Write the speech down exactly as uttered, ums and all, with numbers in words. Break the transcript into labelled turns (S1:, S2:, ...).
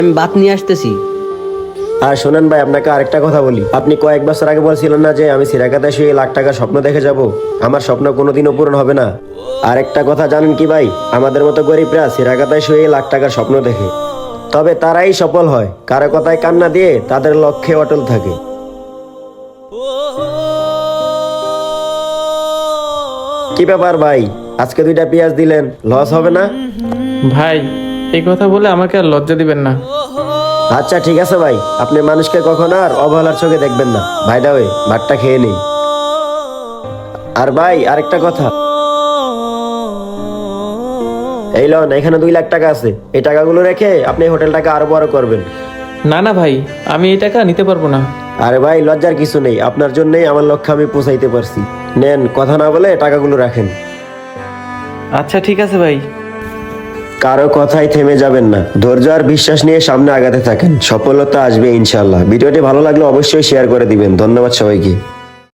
S1: আমি ভাত নিয়ে আসতেছি।
S2: আর শোনেন ভাই, আপনাকে আরেকটা কথা বলি। আপনি কয়েক বছর আগে বলছিলেন না যে আমি সিরাকাতায় শুয়ে লাখ টাকার স্বপ্ন দেখে যাব? আমার স্বপ্ন কোনোদিনও পূরণ হবে না। আর একটা কথা জানেন কি ভাই, আমাদের মতো গরিবরা সিরাকাতায় শুয়ে লাখ টাকার স্বপ্ন দেখে, তবে তারাই সফল হয় কারো কথায় কান্না দিয়ে তাদের লক্ষ্যে অটল থাকে। কি ব্যাপার ভাই, আজকে দুইটা পেঁয়াজ দিলেন, লস হবে না?
S3: ভাই, এই কথা বলে আমাকে আর লজ্জা দিবেন না।
S2: আচ্ছা ঠিক আছে ভাই, আপনি মানুষকে কখনো আর অবহেলার চোখে দেখবেন না। ভাই দাওয়ে ভাতটা খেয়ে নেই। আর ভাই আরেকটা কথা, এই লন, এখানে দুই লাখ টাকা আছে। এই টাকাগুলো রেখে আপনি হোটেলটাকে আরো বড় করবেন।
S3: না না ভাই, আমি এই টাকা নিতে পারবো না।
S2: আরে ভাই, লজ্জার কিছু নেই, আপনার জন্যই আমার লক্ষ্য আমি পৌঁছাইতে পারছি। নেন, কথা না বলে টাকাগুলো রাখেন।
S3: আচ্ছা ঠিক আছে ভাই।
S2: কারো কথাই থেমে যাবেন না, ধৈর্য আর বিশ্বাস নিয়ে সামনে আগাতে থাকেন, সফলতা আসবে ইনশাল্লাহ। ভিডিওটি ভালো লাগলে অবশ্যই শেয়ার করে দিবেন। ধন্যবাদ সবাইকে।